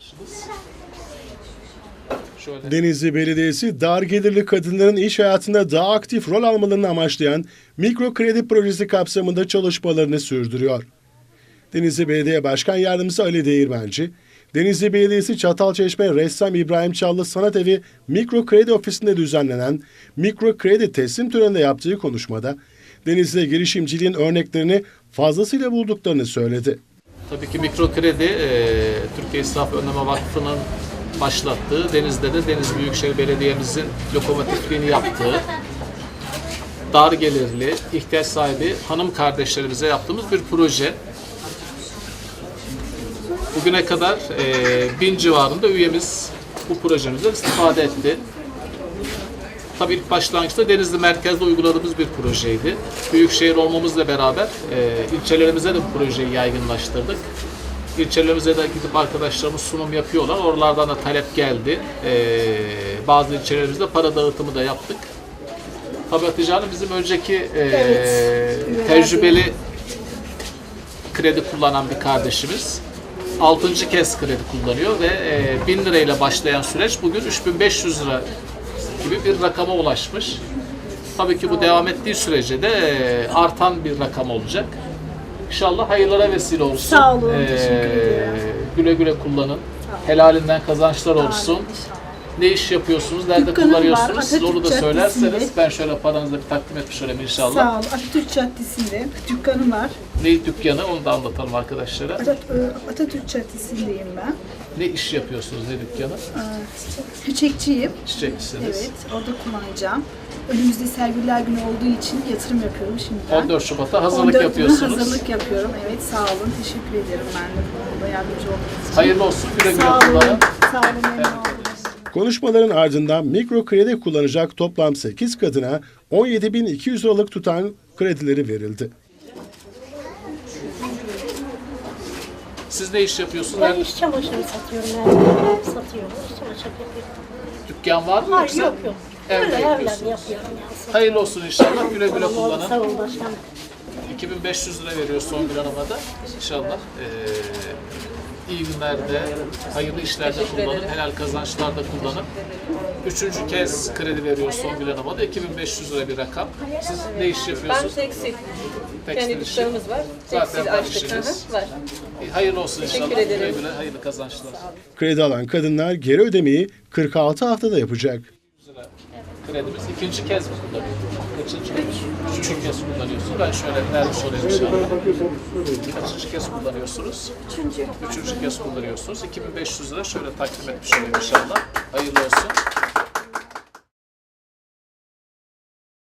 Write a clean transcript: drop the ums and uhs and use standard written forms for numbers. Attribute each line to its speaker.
Speaker 1: arkadaşımız. Şöyle.
Speaker 2: Denizli Belediyesi dar gelirli kadınların iş hayatında daha aktif rol almalarını amaçlayan mikro kredi projesi kapsamında çalışmalarını sürdürüyor. Denizli Belediye Başkan Yardımcısı Ali Değirmenci, Denizli Belediyesi Çatalçeşme Ressam İbrahim Çallı Sanat Evi Mikro Kredi Ofisi'nde düzenlenen mikro kredi teslim töreninde yaptığı konuşmada Denizli girişimciliğin örneklerini fazlasıyla bulduklarını söyledi.
Speaker 1: Tabii ki mikro kredi Türkiye İsraf Önleme Vakfı'nın başlattığı, Denizli'de de Denizli Büyükşehir Belediye'mizin lokomotifliğini yaptığı, dar gelirli, ihtiyaç sahibi hanım kardeşlerimize yaptığımız bir proje. Bugüne kadar 1000 civarında üyemiz bu projemizden istifade etti. Tabii ilk başlangıçta Denizli merkezde uyguladığımız bir projeydi. Büyükşehir olmamızla beraber ilçelerimize de bu projeyi yaygınlaştırdık. İlçelerimize de gidip arkadaşlarımız sunum yapıyorlar. Oralardan da talep geldi. Bazı ilçelerimizde para dağıtımı da yaptık. Tabii Hatice Hanım bizim önceki tecrübeli kredi kullanan bir kardeşimiz. 6. kez kredi kullanıyor ve 1000 lirayla başlayan süreç bugün 3500 lira gibi bir rakama ulaşmış. Tabii ki bu devam ettiği sürece de artan bir rakam olacak. İnşallah hayırlara vesile olsun.
Speaker 3: Sağ olun, teşekkür ederim.
Speaker 1: Güle güle kullanın. Helalinden kazançlar olsun. Ne iş yapıyorsunuz, nerede
Speaker 3: Dükkanım
Speaker 1: kullanıyorsunuz?
Speaker 3: var,
Speaker 1: Siz onu da
Speaker 3: Atatürk
Speaker 1: söylerseniz
Speaker 3: Caddesi'nde.
Speaker 1: ben şöyle paranızı bir takdim etmiş olayım inşallah.
Speaker 3: Sağ ol. Atatürk Caddesi'nde dükkanım var.
Speaker 1: Ne dükkanı onu da anlatalım arkadaşlara.
Speaker 3: Atatürk Caddesi'ndeyim ben.
Speaker 1: Ne iş yapıyorsunuz, ne dükkanı?
Speaker 3: Çiçekçiyim.
Speaker 1: Çiçekçisiniz.
Speaker 3: Evet, orada kullanacağım. Önümüzde sergiler günü olduğu için yatırım yapıyorum şimdiden.
Speaker 1: 14 Şubat'a hazırlık
Speaker 3: 14'üne
Speaker 1: yapıyorsunuz.
Speaker 3: hazırlık yapıyorum. Evet, sağ olun. Teşekkür ederim ben de bu konuda yardımcı olduğunuz için.
Speaker 1: Hayırlı olsun, güle güle
Speaker 3: Sağ olun.
Speaker 1: kullanın.
Speaker 3: Sağ olun, memnun oldum.
Speaker 2: Konuşmaların ardından mikro kredi kullanacak toplam 8 kadına 17.200 liralık tutan kredileri verildi.
Speaker 1: Siz ne iş yapıyorsunuz?
Speaker 4: Ben iş çamaşırı satıyorum yani. Satıyorum, iş çamaşırı yapıyorum.
Speaker 1: Dükkan var mı
Speaker 4: Hayır,
Speaker 1: yoksa?
Speaker 4: yok yok.
Speaker 1: Evde
Speaker 4: Öyle
Speaker 1: yapıyorsunuz.
Speaker 4: evlen yapıyorum yani.
Speaker 1: Hayırlı olsun inşallah, güle güle
Speaker 4: Sağ
Speaker 1: kullanın.
Speaker 4: olun başkanım.
Speaker 1: 2500 lira veriyor Songül Hanım'a da. İnşallah iyi günlerde, hayırlı işlerde kullanın, helal kazançlarda kullanın. 3. kez kredi veriyor Songül Hanım'a da 2500 lira bir rakam. Siz ne iş
Speaker 5: Ben
Speaker 1: yapıyorsunuz?
Speaker 5: tekstil.
Speaker 1: Tekstil
Speaker 5: Kendi
Speaker 1: işi.
Speaker 5: dükkanımız var.
Speaker 1: Zaten
Speaker 5: Tekstil
Speaker 1: var
Speaker 5: açtık.
Speaker 1: işiniz.
Speaker 5: Var.
Speaker 1: Hayırlı olsun inşallah.
Speaker 5: Teşekkür
Speaker 1: Güle
Speaker 5: ederim.
Speaker 1: güle, hayırlı kazançlar.
Speaker 2: Kredi alan kadınlar geri ödemeyi 46 haftada yapacak.
Speaker 1: Kredimiz 2. kez mi kullanıyor? Kaçıncı kez? 3. kez kullanıyorsunuz. Ben şöyle vermiş olayım inşallah. Kaçıncı kez kullanıyorsunuz? 3. kez kullanıyorsunuz. 2500 lira şöyle takdim etmiş olayım inşallah. Hayırlı olsun.